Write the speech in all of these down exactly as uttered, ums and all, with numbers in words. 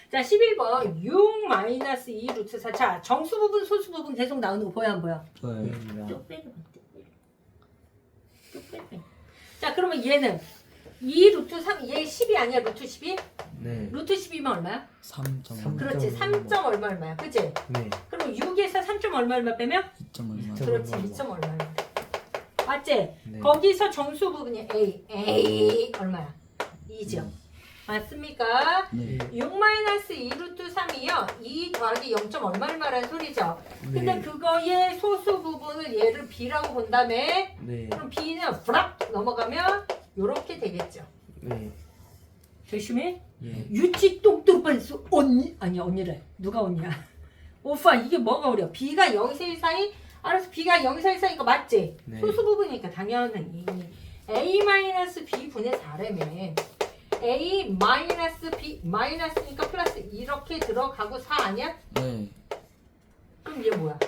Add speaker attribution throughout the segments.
Speaker 1: 자, 십일 번 육 마이너스 이 루트 사. 자, 정수 부분, 소수 부분 계속 나오는 거 보여 안 보여?
Speaker 2: 네.
Speaker 1: 쭉 빼고 쭉 빼고. 자, 그러면 얘는 이 루트 삼, 얘 십이 아니야? 루트 십이?
Speaker 3: 네.
Speaker 1: 루트 십이면 얼마야?
Speaker 2: 삼 점
Speaker 3: 삼.
Speaker 1: 그렇지. 삼 점 얼마 얼마야? 그치?
Speaker 3: 네.
Speaker 1: 그럼 육에서 삼 점 얼마 얼마 빼면?
Speaker 2: 이 점 얼마?
Speaker 3: 점
Speaker 1: 그렇지.
Speaker 3: 얼마.
Speaker 1: 이 점 얼마 얼마. 맞지?
Speaker 3: 네.
Speaker 1: 거기서 정수 부분이 A. A 얼마야? 이죠. 맞습니까?
Speaker 2: 네.
Speaker 1: 육 마이너스 이 루트 삼이요. 이 더하기 영 점 얼마 얼마라는 소리죠. 근데
Speaker 3: 네.
Speaker 1: 그거의 소수 부분을 얘를 B라고 본 다음에
Speaker 3: 네.
Speaker 1: 그럼 B는 브락 넘어가면 요렇게 되겠죠.
Speaker 3: 네.
Speaker 1: 조심해.
Speaker 3: 예.
Speaker 1: 유치 똥똥 수 언니 아니야 언니래. 누가 언니야? 오빠 이게 뭐가 어려? B가 영에서 일 사이 알아서 B가 영에서 일 사이니까 맞지?
Speaker 3: 네.
Speaker 1: 소수 부분이니까 당연히 A 마이너스 B 분의 사라며 A 마이너스 B 마이너스니까 플러스 이렇게 들어가고 사 아니야?
Speaker 2: 네.
Speaker 1: 그럼 얘 뭐야?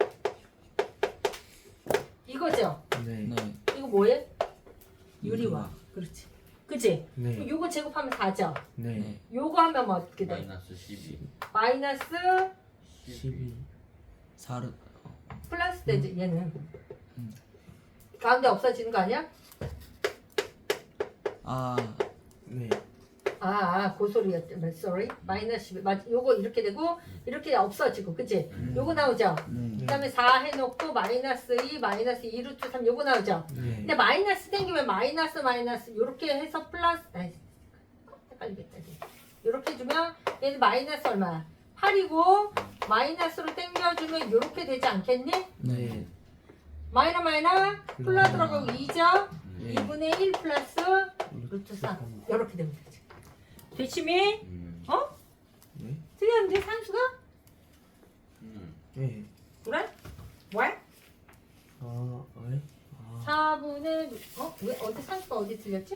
Speaker 1: 이거죠?
Speaker 3: 네.
Speaker 2: 네.
Speaker 1: 이거 뭐해? 유리화.
Speaker 2: 유리화.
Speaker 1: 그렇지. 그치?
Speaker 3: 네.
Speaker 1: 그럼 요거 제곱하면 사죠?
Speaker 3: 네.
Speaker 2: 네.
Speaker 1: 요거 하면 뭐 어떻게 돼?
Speaker 4: 마이너스 십이.
Speaker 1: 마이너스
Speaker 3: 십이.
Speaker 2: 사르.
Speaker 1: 플러스 되지 얘는.
Speaker 2: 음.
Speaker 1: 가운데 없어지는 거 아니야?
Speaker 2: 아.
Speaker 3: 네.
Speaker 1: 아, 아, 그 소리였지. sorry. 마이너스 십이. 맞, 요거 이렇게 되고 이렇게 없어지고, 그치?
Speaker 3: 음.
Speaker 1: 요거 나오죠?
Speaker 2: 네.
Speaker 1: 그 다음에 사 해놓고 마이너스 이, 마이너스 이 루트 삼 요거 나오죠?
Speaker 3: 네.
Speaker 1: 근데 마이너스 땡기면 마이너스 마이너스 요렇게 해서 플러스 아이, 헷갈리겠다. 요렇게 주면 얘는 마이너스 얼마야? 팔이고 마이너스로 땡겨주면 요렇게 되지 않겠니?
Speaker 3: 네.
Speaker 1: 마이너 마이너 플러 들어가고 이죠?
Speaker 3: 네.
Speaker 1: 이분의 일 플러스 루트 삼 요렇게 되면 되지. 되치미?
Speaker 4: 음.
Speaker 1: 어?
Speaker 3: 네.
Speaker 1: 틀렸는데 산수가?
Speaker 4: 음.
Speaker 3: 네.
Speaker 1: 그래? 왜?
Speaker 3: 아, 네. 아.
Speaker 1: 사분의 어? 왜 어디 산수가 어디 틀렸지?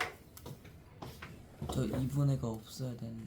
Speaker 2: 저 이 분의가 없어야 되는.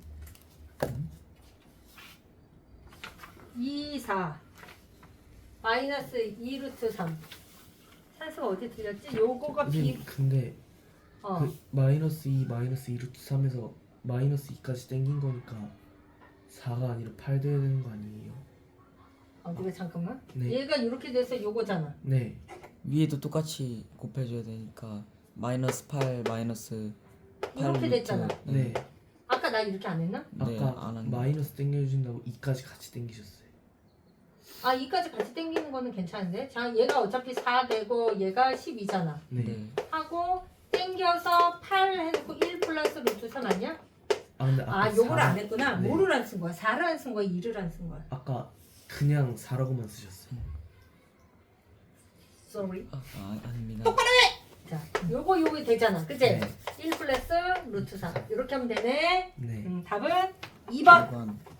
Speaker 1: 이, 사 마이너스 이 루트 삼 산수가 어디 틀렸지? 요거가 비
Speaker 3: 선생님, 근데
Speaker 1: 어.
Speaker 3: 그 마이너스 이, 마이너스 이 루트 삼에서 마이너스 이까지 땡긴 거니까 사가 아니라 팔 돼야 되는 거 아니에요?
Speaker 1: 어디가 잠깐만
Speaker 3: 네.
Speaker 1: 얘가 이렇게 돼서 요거잖아.
Speaker 3: 네.
Speaker 2: 위에도 똑같이 곱해줘야 되니까 마이너스 팔 마이너스 팔
Speaker 1: 이렇게 됐잖아.
Speaker 3: 네.
Speaker 1: 아까 나 이렇게 안 했나?
Speaker 2: 네,
Speaker 3: 아까
Speaker 2: 안 한 게.
Speaker 3: 마이너스 땡겨주신다고 이까지 같이 땡기셨어요.
Speaker 1: 아 이까지 같이 땡기는 거는 괜찮은데 자 얘가 어차피 사 되고 얘가 십이잖아.
Speaker 3: 네.
Speaker 2: 네.
Speaker 1: 하고 땡겨서 팔 해놓고 일 플러스 루트 삼 아니야?
Speaker 3: 아 근데 아까
Speaker 1: 아 요걸
Speaker 3: 사-
Speaker 1: 안 했구나.
Speaker 3: 네.
Speaker 1: 뭐를 안 쓴 거야? 사를 안 쓴 거야? 일을 안 쓴 거야?
Speaker 3: 아까 그냥 사라고만 쓰셨어요.
Speaker 1: Sorry.
Speaker 2: 아, 아 아닙니다.
Speaker 1: 자 요거 요거 되잖아. 그치?
Speaker 3: 네.
Speaker 1: 일 플러스 루트 삼 이렇게 하면 되네.
Speaker 3: 네.
Speaker 1: 음, 답은 이 번.
Speaker 2: 이 번.